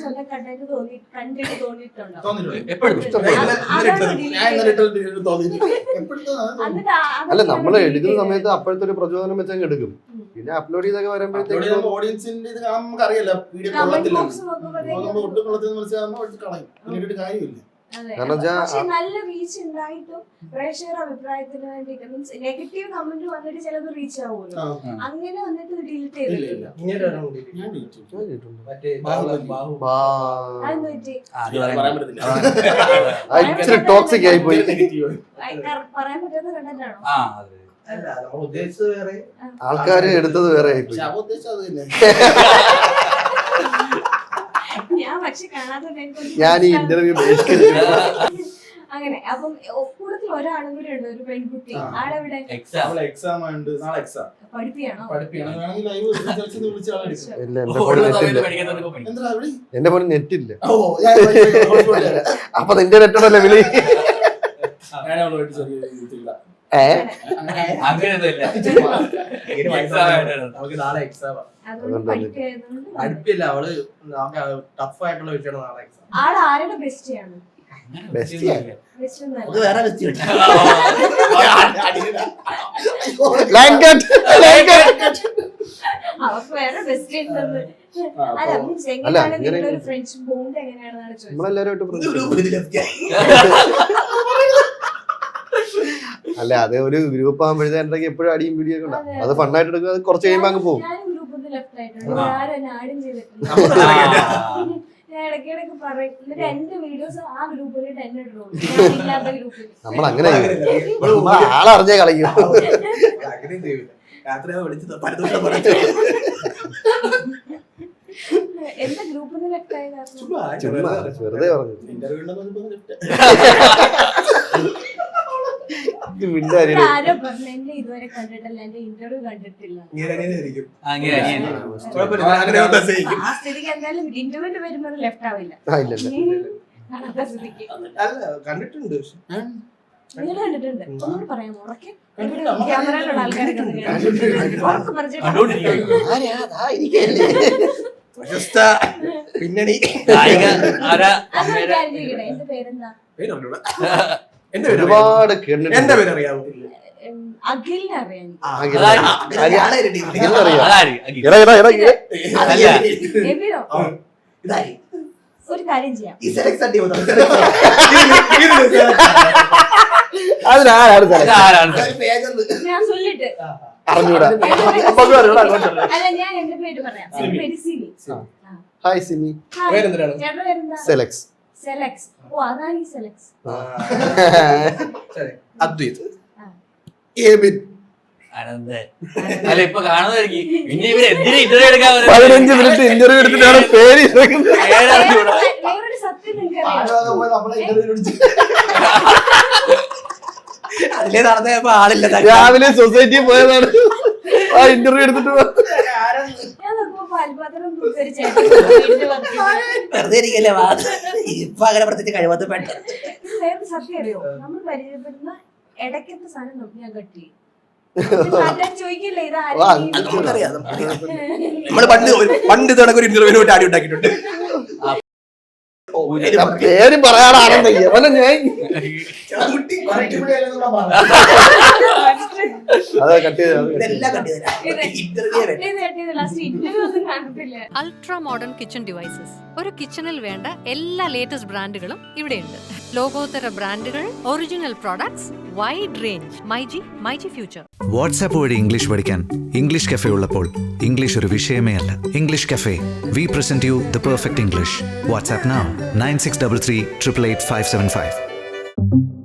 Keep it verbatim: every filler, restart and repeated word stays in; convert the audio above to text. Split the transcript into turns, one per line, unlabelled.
സ്വന്തം കണ്ടിട്ട് തോന്നി കണ്ടിട്ട് തോന്നിയിട്ടുണ്ടോ?
അല്ല, നമ്മൾ എടുക്കുന്ന സമയത്ത് അപ്പോഴത്തെ ഒരു പ്രചോദനം വെച്ചങ്ങ് എടുക്കും. പിന്നെ അപ്ലോഡ് ചെയ്തൊക്കെ വരുമ്പോഴത്തേക്കും
ഓഡിയൻസിന്റെ ഇത് കാണുമ്പോൾ നമുക്ക് അറിയില്ല വീഡിയോ കൊള്ളത്തില്ല, ഒട്ടും കൊള്ളത്തില്ല മനസ്സിലാകുമ്പോൾ കളയും, പിന്നീട് കാര്യമില്ല.
പക്ഷെ നല്ല റീച്ച് ഉണ്ടായിട്ടും പ്രേക്ഷകരുടെ അഭിപ്രായത്തിന് വേണ്ടിട്ട് മീൻസ് നെഗറ്റീവ് കമന്റ് വന്നിട്ട് ചിലത് റീച്ച് ആവുമല്ലോ, അങ്ങനെ വന്നിട്ട് ഡിലീറ്റ് ചെയ്തിട്ടില്ല.
ടോക്സിക് ആയി പോയി.
പറയാൻ പറ്റുന്ന കണ്ടന്റാണോ?
ആൾക്കാര് എടുത്തത് വേറെ ആയി പോയി.
ഞാൻ പക്ഷെ കാണാതെ
ഞാൻ ഈ ഇന്റർവ്യൂ
അങ്ങനെ. അപ്പം കൂടുതൽ ഒരാളും കൂടെ ഉണ്ട്, ഒരു പെൺകുട്ടി. ആളെവിടെ?
എക്സാം ഉണ്ട് നാളെ, എക്സാം
പഠിപ്പിയാണോ?
എന്റെ ഫോണിൽ നെറ്റ് ഇല്ല. അപ്പൊ നിന്റെ നെറ്റോടല്ലേ വിളി?
അടുപ്പില്ല, അവള് ടഫ് ആയിട്ടുള്ള വിഷയമാണ് നാളെ എക്സാം.
ആള് ആരുടെ ബെസ്റ്റിയാണ്? അവർക്ക് വേറെ ബെസ്റ്റ് ഉണ്ടെന്ന്. അല്ല മീൻസ് എങ്ങനെയാണ് നിങ്ങളുടെ ഒരു ഫ്രണ്ട്ഷിപ്പ് ബോണ്ട് എങ്ങനെയാണെന്നാണ് ചോദിച്ചത്.
അല്ല, അത് ഒരു ഗ്രൂപ്പ് ആകുമ്പോഴത്തേക്ക് എപ്പോഴും അടിയും വീഡിയോ ഒക്കെ ഉണ്ടാവും. അത് ഫണ്ണായിട്ട് എടുക്കുക, അത് കുറച്ച് കഴിയുമ്പോൾ അങ്ങ് പോകും. നമ്മൾ അങ്ങനെ ആളറിഞ്ഞേ കളിക്കും.
എന്താ ഗ്രൂപ്പ്
വെറുതെ പറഞ്ഞു.
ഇതുവരെ കണ്ടിട്ടില്ല, എന്റെ ഇന്റർവ്യൂ കണ്ടിട്ടില്ല. ആ സ്ഥിതിക്ക് എന്തായാലും ഇന്റർവ്യൂവിന് വരുമ്പോൾ ലെഫ്റ്റ് ആവില്ല.
കണ്ടിട്ടുണ്ട്,
നിങ്ങൾ കണ്ടിട്ടുണ്ട്? ഒന്നുകൂടി പറയാമോ? ഉറക്കെ ക്യാമറയിലുള്ള ആൾക്കാരെ
പിന്നണി
എന്റെ പേരെന്താ?
ഒരുപാട്
എന്റെ പേര് അറിയാമോ?
അഖിലിനെ അറിയാം. ഒരു കാര്യം ചെയ്യാം, ഞാൻ ചൊല്ലിട്ട് അല്ല, ഞാൻ എന്റെ പേര് പറയാം. എന്റെ പേര് സിമി.
ഹായ് സിമി.
ചേട്ടന്റെ പേരെന്താ?
സെലക്സ്.
സെലക്സ്. ഓ, അതാണ് ഈ സെലക്സ്.
അദ്വൈത്.
അല്ല, ഇപ്പൊ കാണുന്നതായിരിക്കും. പിന്നെ ഇവര് എന്തിനാ ഇന്റർവ്യൂ എടുക്കാൻ
പതിനഞ്ച് മിനിറ്റ് ഇന്റർവ്യൂ എടുത്തിട്ടാണ് പേര്
വേറൊരു സത്യം
അതിലേ നടന്നപ്പോ ആളില്ല.
രാവിലെ സൊസൈറ്റി പോയതാണ് ആ ഇന്റർവ്യൂ എടുത്തിട്ട്.
വെറുതെ ഇരിക്കല്ലേ, ഇപ്പൊ അങ്ങനെ പ്രത്യേകിച്ച് കഴിവത്ത് പെട്ട
സത്യം അറിയോ? നമ്മൾ പരിചയപ്പെടുന്ന ഇടയ്ക്കത്തെ സാധനം നോക്കി ഞാൻ കട്ടി ചോദിക്കില്ലേ
നമുക്കറിയാം. നമ്മള് പണ്ട് പണ്ട് ഇതോടൊക്കെ ഒരു ഇന്റർവ്യൂവിന് വേണ്ടി ആടി ഉണ്ടാക്കിയിട്ടുണ്ട്.
പേര് പറയാനാണെന്ന്
അൾട്രാ മോഡേൺ കിച്ചൺ ഡിവൈസസ്. ഒരു കിച്ചണിൽ വേണ്ട എല്ലാ ലേറ്റസ്റ്റ് ബ്രാൻഡുകളും ഇവിടെയുണ്ട്. ലോകോത്തര ബ്രാൻഡുകൾ, original products, wide range. MyG myG future.
WhatsApp വഴി ഇംഗ്ലീഷ് പഠിക്കാൻ ഇംഗ്ലീഷ് കഫേ ഉള്ളപ്പോൾ ഇംഗ്ലീഷ് ഒരു വിഷയമേ അല്ല. English cafe, we present you the perfect English. WhatsApp now nine six double three triple eight five seven five.